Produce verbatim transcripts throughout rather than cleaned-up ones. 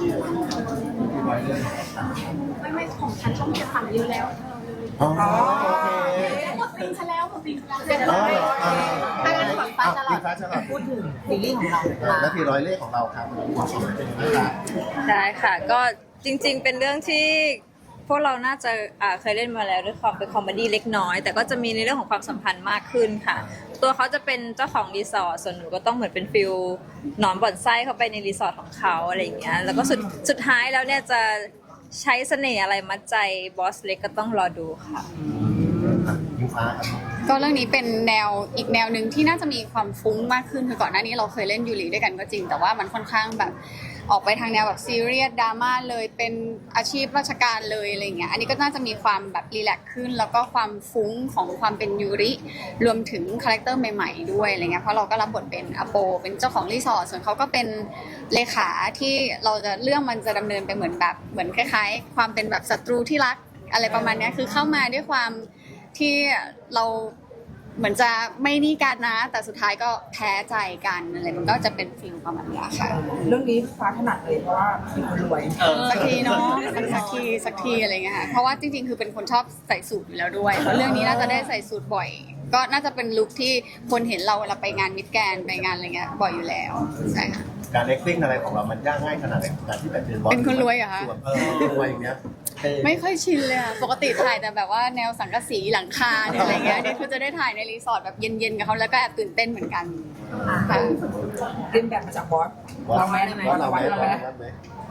ไม่ไม่ของฉันช่องเจ็ดสั่งเยอะแล้วอ๋อโอเคหมดปีซะแล้วหมดปีซะแล้วเสร็จอ๋แล้อวเหรออ่าถ้างั้นฝั่งฟ้าจะหลัพี่บฟ้าฉลาดพูดถึงซีรีส์ของเราและทีร้อยเลขของเราครับความสำเร็จเป็นยังไงครับได้ค่ะก็จริงๆเป็นเรื่องที่พวกเราน่าจะอ่าเคยเล่นมาแล้วด้วยความเป็นคอมเมดี้เล็กน้อย แต่ก็จะมีในเรื่องของความสัมพันธ์มากขึ้นค่ะ ตัวเขาจะเป็นเจ้าของรีสอร์ทส่วนหนูก็ต้องเหมือนเป็นฟิลหนอนบ่อนไส้เข้าไปในรีสอร์ทของเขาอะไรอย่างเงี้ยแล้วก็สุดสุดท้ายแล้วเนี่ยจะใช้เสน่ห์อะไรมัดใจบอสเล็กก็ต้องรอดูค่ะพี่ฟ้าครับก็เรื่องนี้เป็นแนวอีกแนวหนึ่งที่น่าจะมีความฟุ้งมากขึ้นคือก่อนหน้านี้เราเคยเล่นยูริด้วยกันก็จริงแต่ว่ามันค่อนข้างแบบออกไปทางแนวแบบซีเรียสดราม่าเลยเป็นอาชีพราชการเลยอะไรเงี้ยอันนี้ก็น่าจะมีความแบบรีแลกซ์ขึ้นแล้วก็ความฟุ้งของความเป็นยูริรวมถึงคาแรคเตอร์ใหม่ๆด้วยอะไรเงี้ยเพราะเราก็รับบทเป็นอโปเป็นเจ้าของรีสอร์ทส่วนเขาก็เป็นเลขาที่เราจะเรื่องมันจะดำเนินไปเหมือนแบบเหมือนคล้ายๆ ความเป็นแบบศัตรูที่รักอะไรประมาณเนี้ยคือเข้ามาด้วยความที่เราเหมือนจะไม่นี่กันนะแต่สุดท้ายก็แพ้ใจกันอะไรมันก็จะเป็นฟิลประมาณนี้ค่ะเรื่องนี้ฟ้าถนัดเลยเพราะว่าเป็นคนรวยสักทีเนาะสักทีสักทีอะไรเงี้ยค่ะเพราะว่าจริงๆคือเป็นคนชอบใส่สูทอยู่แล้วด้วยเพราะเรื่องนี้น่าจะได้ใส่สูทบ่อย ก็น่าจะเป็นลุคที่คนเห็นเราเวลาไปงานมิดแกรนด์ไปงานอะไรเงี้ยบ่อยอยู่แล้วใช่ค่ะการ acting อะไรของเรามันยากง่ายขนาดไหนการที่แบบเป็นบอสเป็นคนรวยเหรอคะส่วนเออรวยอย่างเงี้ยเท่ไม่ค่อยชินเลยค่ะปกติถ่ายแต่แบบว่าแนวสังกะสีหลังคาเนี่ยอะไรเงี้ยนี่คือจะได้ถ่ายในรีสอร์ทแบบเย็นๆกับเขาแล้วก็แอบตื่นเต้นเหมือนกันค่ะเรียนแบบมาจากบอสบอสเราไหมบอสเราไหมเราบอไหมสเราไหม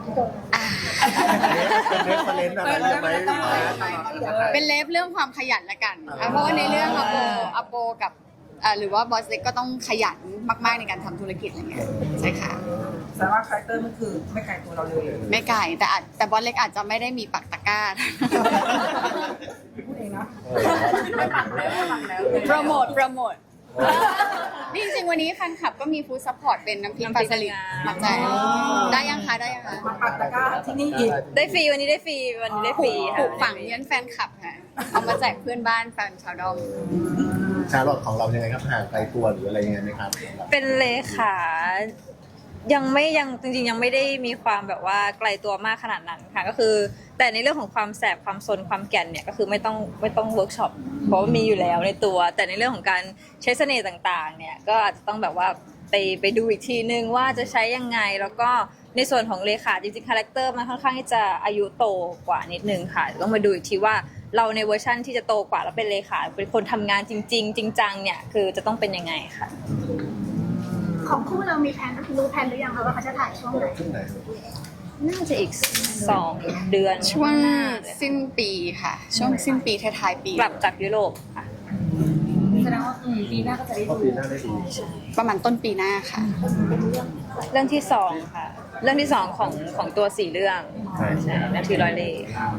เป็นเรฟเฟรนซ์อะไรใช่ไหมพี่ฟ้าเป็นเลฟเรื่องความขยันละกันอ่ะเพราะว่าในเรื่องอโปอโปกับอ่าหรือว่าบอสเล็กก็ต้องขยันมากๆในการทำธุรกิจอะไรเงี้ยใช่ค่ะแสดงว่าคาแรคเตอร์มันคือไม่ไกลตัวเราเลยไม่ไกลแต่อาจแต่บอสเล็กอาจจะไม่ได้มีปักตะกร้าพูดเองนะเออโปรโมทโปรโมทนี่จริงๆวันนี้แฟนคลับก็มีฟู้ดซัพพอร์ตเป็นน้ำพริกปลาสลิดมาแจกได้ยังคะได้ยังคะมาปักตะกร้าที่นี่อีกได้ฟรีวันนี้ได้ฟรีวันนี้ได้ฟรีปค่ะลูกฝังเยันแฟนคลับค่ะเอามาแจกเพื่อนบ้านแฟนชาวดอมชาลอตของเรายังไงครับห่างไกลตัวหรืออะไรยังไงไหมครับเป็นเลขายังไม่ยังจริงๆยังไม่ได้มีความแบบว่าไกลตัวมากขนาดนั้นค่ะก็คือแต่ในเรื่องของความแสบความซนความแก่นเนี่ยก็คือไม่ต้องไม่ต้องเวิร์กช็อปเพราะว่ามีอยู่แล้วในตัว แต่ในเรื่องของการใช้เสน่ห์ต่างๆเนี่ยก็อาจจะต้องแบบว่าไปไปดูอีกทีนึงว่าจะใช้ยังไงแล้วก็ในส่วนของเลขาจริงๆคาแรคเตอร์มันค่อนข้างที่จะอายุโตกว่านิดนึงค่ะต้องมาดูอีกทีว่าเราในเวอร์ชั่นที่จะโตกว่าแล้วเป็นเลขาเป็นคนทำงานจริง ๆ จริงจังเนี่ยคือจะต้องเป็นยังไงค่ะของคู่เรามีแผนรู้แผนหรือยังคะว่าเขาจะถ่ายช่วงไหนขึ้นไหนน่าจะอีกสองเดือนช่วงหน้าเลยสิ้นปีค่ะ ช่วงสิ้นปีท้ายๆปีกลับจากยุโรปค่ะแสดงว่าปีหน้าก็จะได้ก็ดูปีหน้าได้ดีประมาณต้นปีหน้าค่ะเรื่องที่สองค่ะ เรื่องที่สองของของตัวสี่เรื่องใช่ใช่นาทีร้อยเล่ห์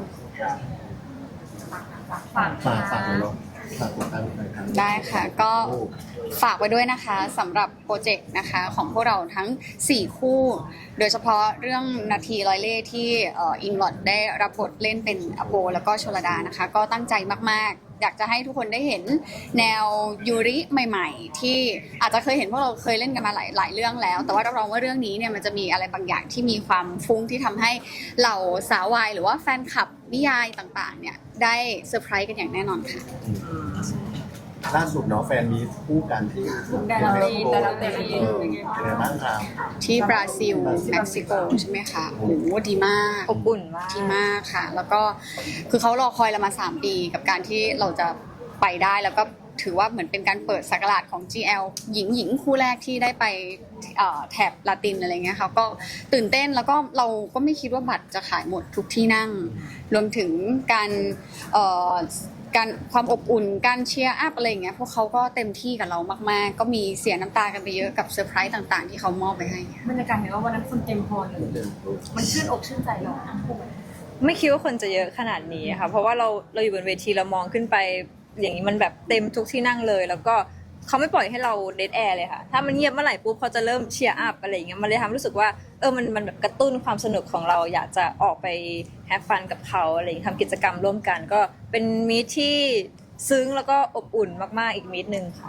ฝากฝากฝากเลยเนาะฝากติดตามหน่อยครับได้ค่ะก็ฝากไว้ด้วยนะคะสำหรับโปรเจกต์นะคะของพวกเราทั้งสี่คู่ โดยเฉพาะเรื่องนาทีร้อยเล่ห์ที่เอ่ออิงลอดได้รับบทเล่นเป็นอโปแล้วก็ชลดานะคะ ก็ตั้งใจมากๆ อยากจะให้ทุกคนได้เห็นแนวยูริใหม่ๆ ที่อาจจะเคยเห็นพวกเราเคยเล่นกันมาหลายหลายเรื่องแล้ว แต่ว่ารับรองว่าเรื่องนี้เนี่ยมันจะมีอะไรบางอย่างที่มีความฟุ้งที่ทำให้เหล่าสาววายหรือว่าแฟนคลับนิยายต่างๆเนี่ยได้เซอร์ไพรส์กันอย่างแน่นอนค่ะล่าสุดเนาะแฟนมีคู่กันที่ดาราตีดาราตีเออเป็นไงบ้างครับที่บราซิลเม็กซิโกใช่ไหมคะโอ้โหดีมากอบอุ่นมากดีมากค่ะ แล้วก็คือเขารอคอยเรามาสามปีกับการที่เราจะไปได้แล้วก็ถือว่าเหมือนเป็นการเปิดสักราชของ จี แอล หญิงหญิงคู่แรกที่ได้ไปเอ่อแถบลาตินอะไรเงี้ยค่ะก็ตื่นเต้นแล้วก็เราก็ไม่คิดว่าบัตรจะขายหมดทุกที่นั่ง รวมถึงการเอ่อการความอบอุ่นการเชียร์อัพอะไรอย่างเงี้ยพวกเขาก็เต็มที่กับเรามากๆ ก็มีเสียน้ำตากันไปเยอะกับเซอร์ไพรส์ต่างๆ ที่เขามอบไปให้บรรยากาศเห็นว่าวันนั้นคนเต็มพอเลยมันชื่นอกชื่นใจเรานะไม่คิดว่าคนจะเยอะขนาดนี้ค่ะ เพราะว่าเราเราอยู่บนเวทีเรามองขึ้นไป อย่างนี้มันแบบเต็มทุกที่นั่งเลย แล้วก็เขาไม่ปล่อยให้เราเดดแอร์เลยค่ะ ถ้ามันเงียบเมื่อไหร่ปุ๊บเขาจะเริ่มเชียร์อัพอะไรอย่างเงี้ย มันเลยทำรู้สึกว่าเออมันมันแบบกระตุ้นความสนุกของเราอยากจะออกไปแฮปฟันกับเขาอะไรอย่างเงี้ยทำกิจกรรมร่วมกัน ก็เป็นมีทที่ซึ้งแล้วก็อบอุ่นมากๆอีกมีทหนึ่งค่ะอืม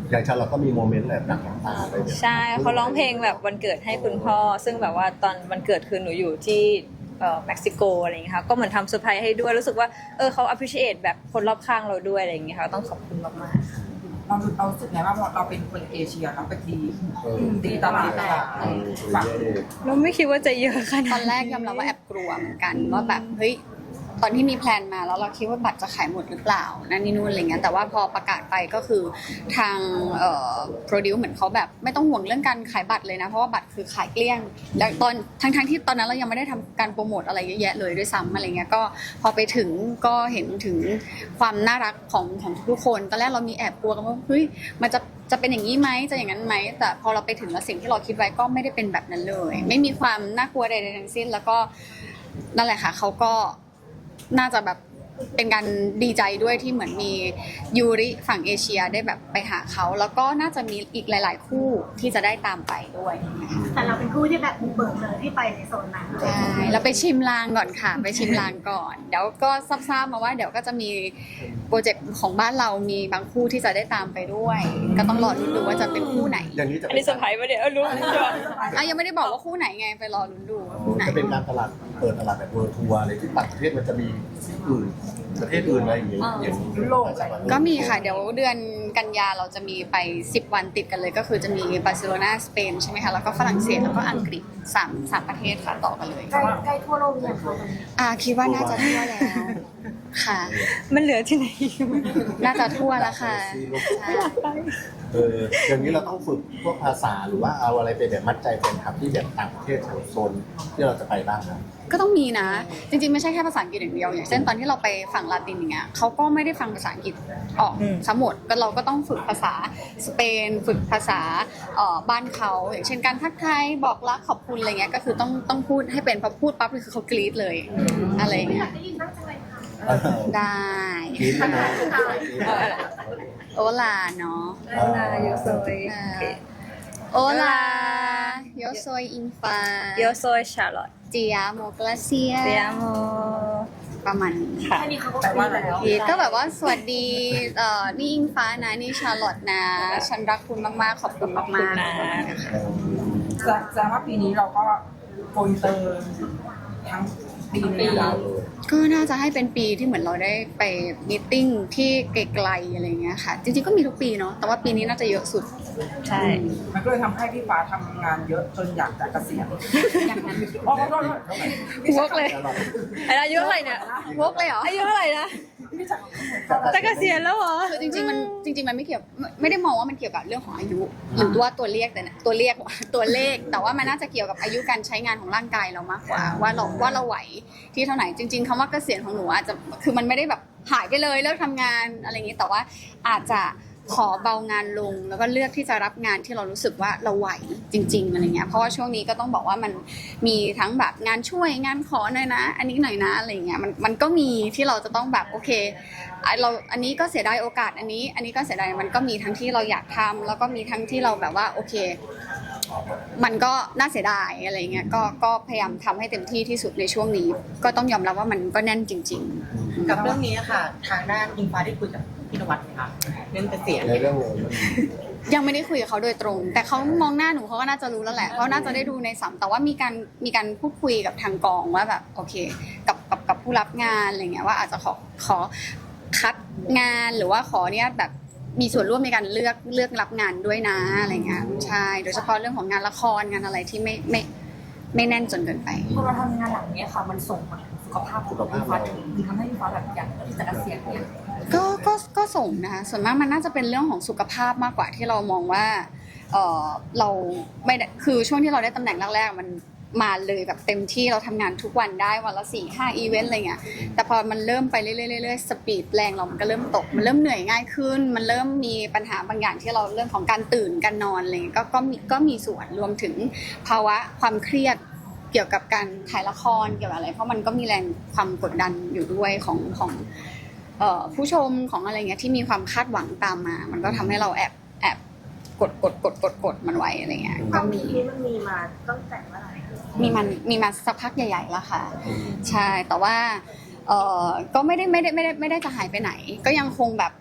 อย่างชาเราก็มีโมเมนต์แบบหนักน้ำตาอะไรเนี่ยใช่เขาร้องเพลงแบบวันเกิดให้คุณพ่อ ซึ่งแบบว่าตอนวันเกิดคือหนูอยู่ที่เอ่อเม็กซิโกอะไรอย่างเงี้ยค่ะก็เหมือนทำเซอร์ไพรส์ให้ด้วยรู้สึกว่าเออเขา appreciate แบบคนรอบข้างเราด้วยอะไรอย่างเงี้ยค่ะต้องขอบคุณมากๆค่ะเราเรารู้สึกไงว่าเราเป็นคนเอเชียเราไปตีเออตีตลาดแบบเออฝั่งเราไม่คิดว่าจะเยอะขนาดตอนแรกยอมรับว่าแอบกลัวเหมือนกันว่าแบบเฮ้ยตอนที่มีแพลนมาแล้วเราคิดว่าบัตรจะขายหมดหรือเปล่านั่นนี่นู่นอะไรเงี้ยแต่ว่าพอประกาศไปก็คือทางเอ่อโปรดิวเหมือนเขาแบบไม่ต้องห่วงเรื่องการขายบัตรเลยนะเพราะว่าบัตรคือขายเกลี้ยงแล้วตอนทั้งทั้งที่ตอนนั้นเรายังไม่ได้ทำการโปรโมทอะไรเยอะแยะเลยด้วยซ้ำอะไรเงี้ยก็พอไปถึงก็เห็นถึงความน่ารักของของทุกๆคนตอนแรกเรามีแอบกลัวกันว่าเฮ้ยมันจะจะเป็นอย่างนี้ไหมจะอย่างนั้นไหมแต่พอเราไปถึงแล้วสิ่งที่เราคิดไว้ก็ไม่ได้เป็นแบบนั้นเลย ไม่มีความน่ากลัวใดๆทั้งสิ้นแล้วก็นั่นแหละค่ะเขาก็น่าจะแบบเป็นการดีใจด้วยที่เหมือนมียูริฝั่งเอเชียได้แบบไปหาเขาแล้วก็น่าจะมีอีกหลาย ๆ คู่ที่จะได้ตามไปด้วยนะคะแต่เราเป็นคู่ที่แบบบุกเบิกเลยที่ไปในโซนนั้นใช่แล้วไปชิมลางก่อนค่ะ ไปชิมลางก่อน เดี๋ยวก็ทราบๆมาว่าเดี๋ยวก็จะมีโปรเจกต์ของบ้านเรามีบางคู่ที่จะได้ตามไปด้วย ก็ต้องรอลุ้นดูว่าจะเป็นคู่ไหนอย่างนี้จะอันนี้เซอร์ไพรส์ปะเนี่ยเออรู้ใช่ปะอ่ะยังไม่ได้บอกว่าคู่ไหนไงไปรอลุ้นดูว่าคู่ไหนจะเป็นการตลาดเปิดตลาดแบบเวิร์ทัวร์อะไรที่ต่างประเทศมันจะมีอื่นประเทศอื่นอะไรอย่างเงี้ยอย่างยุโรปก็มีค่ะ เดี๋ยวเดือนกันยาเราจะมีไปสิบวันติดกันเลย ก็คือจะมีบาร์เซโลนาสเปนใช่ไหมคะแล้วก็ฝรั่งเศสแล้วก็อังกฤษสามสามประเทศค่ะต่อกันเลยใกล้ใกล้ทั่วโลกเลยค่ะอ่าคิดว่าน่าจะทั่วแล้วค่ะมันเหลือที่ไหนอีกน่าจะทั่วแล้วค่ะใช่เอออย่างนี้เราต้องฝึกพวกภาษาหรือว่าเอาอะไรไปแบบมัดใจแฟนคลับที่แบบต่างประเทศแถวโซนที่เราจะไปบ้างนะก็ต้องมีนะ จริงๆไม่ใช่แค่ภาษาอังกฤษอย่างเดียวอย่างเช่นตอนที่เราไปฝั่งลาตินอย่างเงี้ยเขาก็ไม่ได้ฟังภาษาอังกฤษออกทั้งหมดก็เราก็ต้องฝึกภาษาสเปน ฝึกภาษาเอ่อบ้านเขาอย่างเช่นการทักทายบอกรักขอบคุณอะไรเงี้ยก็คือต้องต้องพูดให้เป็นพอพูดปั๊บคือเขากรี๊ดเลยอะไรเงี้ยได้ยินบ้างจังเลยค่ะได้กินนะโอลาเนาะนาโยโซยโอลาโยโซยอินฟาโยโซยชาร์ลอตเจียโมกลาเซียเตียโมประมาณนี้ค่ะแค่นี้เขาก็แต่ว่าแล้วพีทก็แบบว่าสวัสดีเอ่อนี่อิงฟ้านะนี่ชาร์ลอตนะ ฉันรักคุณมากๆ ขอบคุณมากๆขอบคุณนะแสดงว่าปีนี้เราก็โกอินเตอร์ทั้งปีเลยนะก็น่าจะให้เป็นปีที่เหมือนเราได้ไปมีตติ้งที่ไกลๆอะไรเงี้ยค่ะ จริงๆก็มีทุกปีเนาะแต่ว่าปีนี้น่าจะเยอะสุดใช่มันก็เลยทำให้พี่ฟ้าทำงานเยอะจนอยากจะเกษียณอย่างนั้นอ๋อขอโทษวกเลยอายุเท่าไหร่เนี่ยวกเลยเหรออายุเท่าไหร่นะจะเกษียณแล้วเหรอคือจริงๆมันจริงๆมันไม่เกี่ยวไม่ไม่ได้มองว่ามันเกี่ยวกับเรื่องของอายุ หรือว่าตัวเลขแต่นะตัวเลขตัวเลข แต่ว่ามันน่าจะเกี่ยวกับอายุการใช้งานของร่างกายเรามากกว่า ว่าเราว่าเราไหวที่เท่าไหร่จริง ๆคำว่าเกษียณของหนูอาจจะคือมันไม่ได้แบบหายไปเลยเลิกทำงานอะไรอย่างนี้แต่ว่าอาจจะขอเบางานลงแล้วก็เลือกที่จะรับงานที่เรารู้สึกว่าเราไหวจริงๆอะไรเงี้ยเพราะว่าช่วงนี้ก็ต้องบอกว่ามันมีทั้งแบบงานช่วยงานขอหน่อยนะ อันนี้หน่อยนะอะไรเงี้ยมันมันก็มีที่เราจะต้องแบบโอเคอ่ะเราอันนี้ก็เสียดายโอกาสอันนี้ อันนี้ก็เสียดายมันก็มีทั้งที่เราอยากทำแล้วก็มีทั้งที่เราแบบว่าโอเค มันก็น่าเสียดายอะไรเงี้ยก็ก็พยายามทำให้เต็มที่ที่สุดในช่วงนี้ ก็ต้องยอมรับว่ามันก็แน่นจริง ๆกับเรื่องนี้ค่ะ ทางด้านอิงฟ้าได้คุยกับพี่นวัดไหมคะเรื่องเกษียณในเรื่องเลยมันยังไม่ได้คุยกับเขาโดยตรง แต่เขามองหน้าหนูเขาก็น่าจะรู้แล้วแหละเขาน่าจะได้ดูในสัมแต่ว่ามีการมีการพูดคุยกับทางกองว่าแบบโอเคกับกับกับผู้รับงานอะไรเงี้ยว่าอาจจะขอขอคัดงานหรือว่าขอเนี่ยแบบมีส่วนร่วมในการเลือกเลือกรับงานด้วยนะอะไรเงี้ยใช่โดยเฉพาะเรื่องของงานละครงานอะไรที่ไม่ไม่ไม่แน่นจนเกินไปพอเราทำงานหลังเนี้ยค่ะมันส่งผลถึงสุขภาพของพี่ฟ้าถึงคือทำให้พี่ฟ้าแบบอยากที่จะเกษียณเนี่ยก็ก็ก็ส่งนะคะส่วนมากมันน่าจะเป็นเรื่องของสุขภาพมากกว่าที่เรามองว่าเออเราไม่ได้คือช่วงที่เราได้ตำแหน่งแรกๆมันมาเลยแบบเต็มที่เราทำงานทุกวันได้วันละสี่ห้าอีเวนต์อะไรเงี้ยแต่พอมันเริ่มไปเรื่อยๆเรื่อยๆสปีดแรงเรามันก็เริ่มตกมันเริ่มเหนื่อยง่ายขึ้น มันเริ่มมีปัญหาบางอย่างที่เราเรื่องของการตื่นการนอนอะไรเงี้ยก็ก็มีก็มีส่วนรวมถึงภาวะความเครียดเกี่ยวกับการถ่ายละครเกี่ยวกับอะไรเพราะมันก็มีแรงความกดดันอยู่ด้วยของของเอ่อผู้ชมของอะไรเงี้ยที่มีความคาดหวังตามมา มันก็ทำให้เราแอบแอบกดกดกดกดกดมันไว้อะไรเงี้ยคก็วามมีคิดนี้มันมีมาตั้งแต่เมื่อไหร่มีมันมีมาสักพักใหญ่ๆแล้วค่ะใช่แต่ว่าเออก็ไม่ได้ไม่ได้ไม่ได้ไม่ได้จะหายไปไหน ก็ยังคงแบบ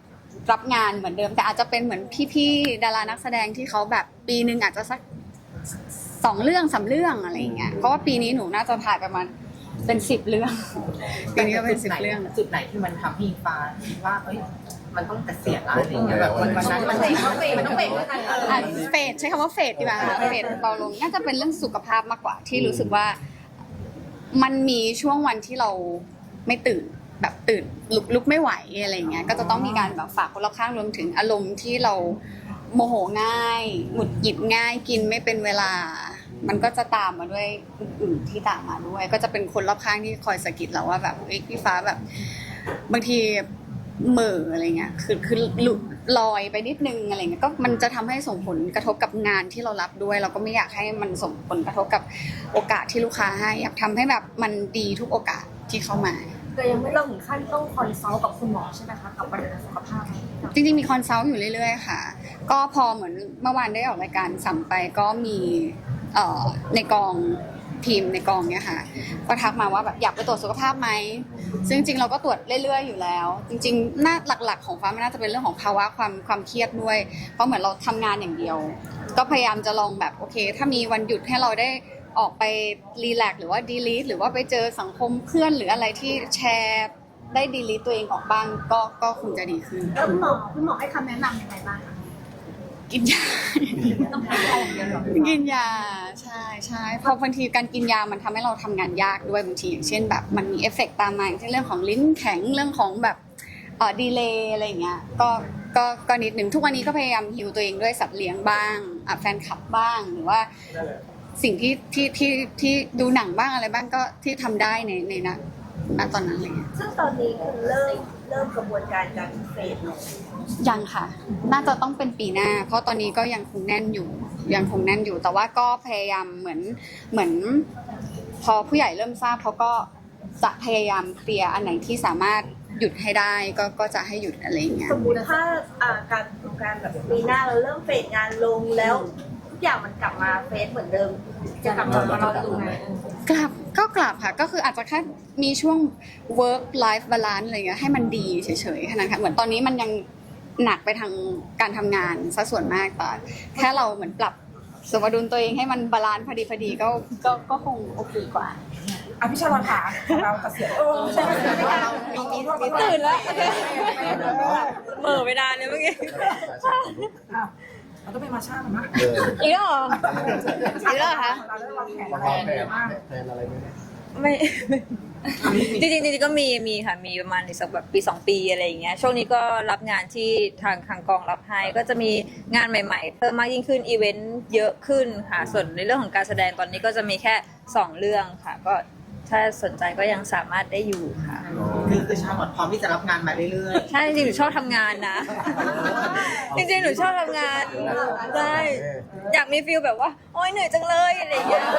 รับงานเหมือนเดิมแต่อาจจะเป็นเหมือนพี่ๆดารานักแสดงที่เขาแบบปีหนึ่งอาจจะสักสองเรื่องสามเรื่องอะไรอย่างเงี้ยเพราะว่าปีนี้หนูน่าจะถ่ายประมาณเป็นสิบเรื่องปีนี้ก็เป็นสิบเรื่องจุดไหนที่มันทำให้อิงฟ้าคิดว่าเอ้ยมันต้องเกษียณแล้วอะไรอย่างเงี้ยแบบวันนั้นมันต้องเฟดมันต้องเฟดด้วยกันอ่ะเฟดใช้คำว่าเฟดดีกว่าเฟดเบาลงน่าจะเป็นเรื่องสุขภาพมากกว่าที่รู้สึกว่ามันมีช่วงวันที่เราไม่ตื่นแบบตื่นลุกลุกไม่ไหวอะไรเงี้ยก็จะต้องมีการแบบฝากคนรอบข้างรวมถึงอารมณ์ที่เราโมโหง่ายหงุดหงิดง่ายกินไม่เป็นเวลา มันก็จะตามมาด้วยอื่นๆที่ตามมาด้วย ก็จะเป็นคนรอบข้างที่คอยสะกิดเราว่าแบบเอ้ยพี่ฟ้าแบบบางทีเหม่ออะไรเงี้ยคือคือหลุดลอยไปนิดนึงอะไรเงี้ยก็มันจะทำให้ส่งผลกระทบกับงานที่เรารับด้วย เราก็ไม่อยากให้มันส่งผลกระทบกับโอกาสที่ลูกค้าให้อยากทำให้แบบมันดีทุกโอกาสที่เข้ามาแต่ยังไม่ต้องถึงขั้นต้องคอนซัลท์กับคุณหมอใช่ไหมคะกับปัญหาสุขภาพจริงๆมีคอนซัลท์อยู่เรื่อยๆค่ะก็พอเหมือนเมื่อวานได้ออกรายการสัมไปก็มีเอ่อในกองทีมในกองเนี่ยค่ะก็ทักมาว่าแบบอยากไปตรวจสุขภาพไหมซึ่งจริงๆเราก็ตรวจเรื่อยๆอยู่แล้วจริงๆน่าหลักๆของฟ้ามันน่าจะเป็นเรื่องของภาวะความความเครียดด้วยเพราะเหมือนเราทำงานอย่างเดียวก็พยายามจะลองแบบโอเคถ้ามีวันหยุดให้เราได้ออกไปรีแลกซ์หรือว่าดีลีทหรือว่าไปเจอสังคมเพื่อนหรืออะไรที่แชร์ได้ดีลีทตัวเองออกบ้างก็ก็คงจะดีขึ้นแล้วคุณหมอคุณหมอให้คำแนะนำยังไงบ้างคะกินยาต้องทำอะไรอย่างเงี้ยหรอกินยาใช่ใช่เพราะบางทีการกินยามันทำให้เราทำงานยากด้วยบางทีอย่างเช่นแบบมันมีเอฟเฟกต์ตามมาอย่างเช่นเรื่องของลิ้นแข็งเรื่องของแบบเอ่อดีเลย์อะไรอย่างเงี้ยก็ก็ก็นิดหนึ่งทุกวันนี้ก็พยายามฮิวตัวเองด้วยสัตว์เลี้ยงบ้างอ่ะแฟนคลับบ้างหรือว่าสิ่งที่ที่ที่ที่ดูหนังบ้างอะไรบ้างก็ที่ทำได้ในในณณตอนนั้นอะไรเงี้ยซึ่งตอนนี้คือเริ่มเริ่มกระบวนการการเฟดยังค่ะ น่าจะต้องเป็นปีหน้า เพราะตอนนี้ก็ยังคงแน่นอยู่ ยังคงแน่นอยู่ แต่ว่าก็พยายามเหมือน เหมือน พอผู้ใหญ่เริ่มทราบเขาก็จะพยายามเคลียร์อันไหนที่สามารถหยุดให้ได้ ก็ ก็จะให้หยุดอะไรอย่างเงี้ยสมมติถ้าอ่าการการแบบปีหน้าเราเริ่มเฟดงานลงแล้วทุกอย่างมันกลับมาเฟดเหมือนเดิมจะกลับมาเราดูไหมกลับ ก็กลับค่ะ ก็คืออาจจะแค่มีช่วง work life balance อะไรเงี้ย ให้มันดีเฉยๆแค่นั้นค่ะ เหมือนตอนนี้มันยังหนักไปทางการทำงานซะส่วนมากแต่แค่เราเหมือนปรับสมดุลตัวเองให้มันบาลานซ์พอดีพอดีก็ก็ก็คงโอเคกว่าอ่ะพี่ชาลอนค่ะเราเกษียณเออใช่ไหมมีมีมีตื่นแล้วเหม่อไปนานเลยเมื่อกี้อ้าวเราต้องไปมาชามันนะเอออีกแล้วเหรออีกแล้วเหรอคะเราได้วางแผนวางอะไรแผนบ้างแผนอะไรไหมไม่จริงๆจริงๆก็มีมีค่ะมีประมาณอีกสักแบบปีสองปีอะไรอย่างเงี้ยช่วงนี้ก็รับงานที่ทางทางกองรับให้ก็จะมีงานใหม่ๆเพิ่มมากยิ่งขึ้นอีเวนต์เยอะขึ้นค่ะส่วนในเรื่องของการแสดงตอนนี้ก็จะมีแค่สองเรื่องค่ะก็ถ้าสนใจก็ยังสามารถได้อยู่ค่ะคือคือชาลอตพร้อมที่จะรับงานมาเรื่อยใช่จริงๆหนูชอบทำงานนะ จริงๆหนูชอบทำงานใช่อยากมีฟิลแบบว่าโอ๊ยเหนื่อยจังเลยอะไรอย่างเงี้ย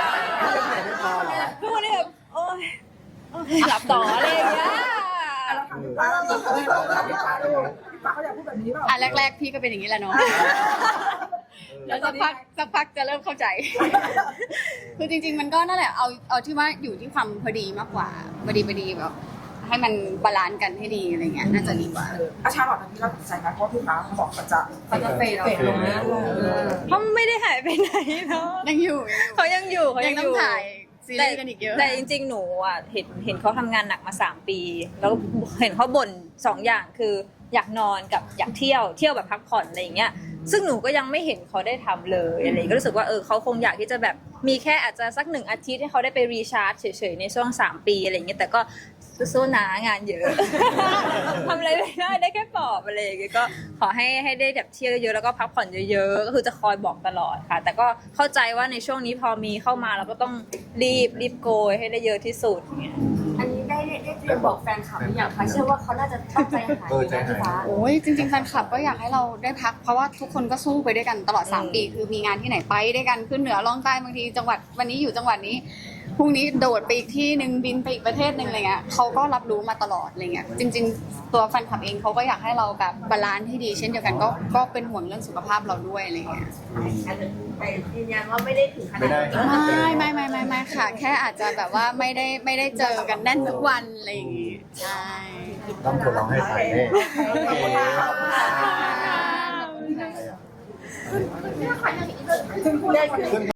ทุกวันนี้แบบโอ๊ยโอ๊ยหลับต่ออะไรอย่างเงี้ยป้าเราเราเขาอยากพูดแบบนี้เปล่าอ่ะแรกๆพี่ก็เป็นอย่างนี้แหละเนาะแล้วสักพักสักพักจะเริ่มเข้าใจ คือจริงๆมันก็นั่นแหละเอาเอาที่ว่าอยู่ที่ความพอดีมากกว่าพอดีพอดีแบบให้มันบาลานซ์กันให้ดีอะไรเงี้ยน่าจะดีกว่าอาชาลอตตอนนี้เราตัดใจไหมเพราะพี่ฟ้าเขาบอกเขาจะเขาจะเฟดเฟดลงนะเขาไม่ได้หายไปไหนเนาะยังอยู่เขายังอยู่เขายัยัง งต้อองยู่ถ่ายซีรีส์กันอีกเยอะแต่จริงๆ หนูอ่ะเห็นเห็นเขาทำงานหนักมาสามปี แล้วเห็นเขาบ่นสองอย่างคืออยากนอนกับอยากเที่ยวเที่ยวแบบพักผ่อนอะไรอย่างเงี้ยซึ่งหนูก็ยังไม่เห็นเขาได้ทำเลยอะไรก็รู้สึกว่าเออเขาคงอยากที่จะแบบมีแค่อาจจะสักหนึ่งอาทิตย์ให้เขาได้ไปรีชาร์จเฉยๆในช่วงสามปีอะไรอย่างเงี้ยแต่ก็สู้ๆนะงานเยอะ ทำอะไรไม่ได้ได้แค่ปลอบอะไรอย่างเงี้ยก็ขอให้ให้ได้แบบเที่ยวเยอะๆแล้วก็พักผ่อนเยอะๆก็คือจะคอยบอกตลอดค่ะ แต่ก็เข้าใจว่าในช่วงนี้พอมีเข้ามาเราก็ต้องรีบรีบโกยให้ได้เยอะที่สุดอย่างเงี้ยอันนี้ได้ได้ได้เตรียมบอกแฟนคลับหรือยังคะเชื่อว่าเขาน่าจะต้องใจหายอยู่นะพี่ฟ้าโอ้ยจริงๆแฟนคลับก็อยากให้เราได้พักเพราะว่าทุกคนก็สู้ไปด้วยกันตลอดสามปีคือมีงานที่ไหนไปด้วยกันขึ้นเหนือล่องใต้บางทีจังหวัดวันนี้อยู่จังหวัดนี้พรุ่งนี้โดดไปอีกที่หนึ่งบินไปอีกประเทศหนึ่งอะไรเงี้ยเขาก็รับรู้มาตลอดอะไรเงี้ยจริง ๆ ตัวแฟนคลับเองเขาก็อยากให้เราแบบบาลานซ์ที่ดีเช่นเดียวกันก็ก็เป็นห่วงเรื่องสุขภาพเราด้วยอะไรเงี้ยแต่ยืนยันว่าไม่ได้ถึงขนาไม่ดได้ไม่ไม่ไม่ไม่ไม่ค่ะ แค่อาจจะแบบว่าไม่ได้ไม่ได้เจอกันแน่นทุกวันอะไรอย่างงี้ใช่ต้องทดลองให้ถ่ายแน่โอเคขอบคุณค่ะขอบคุณค่ะเนี่ยค่ะอย่างนี้เลยเลื่อนขึ้น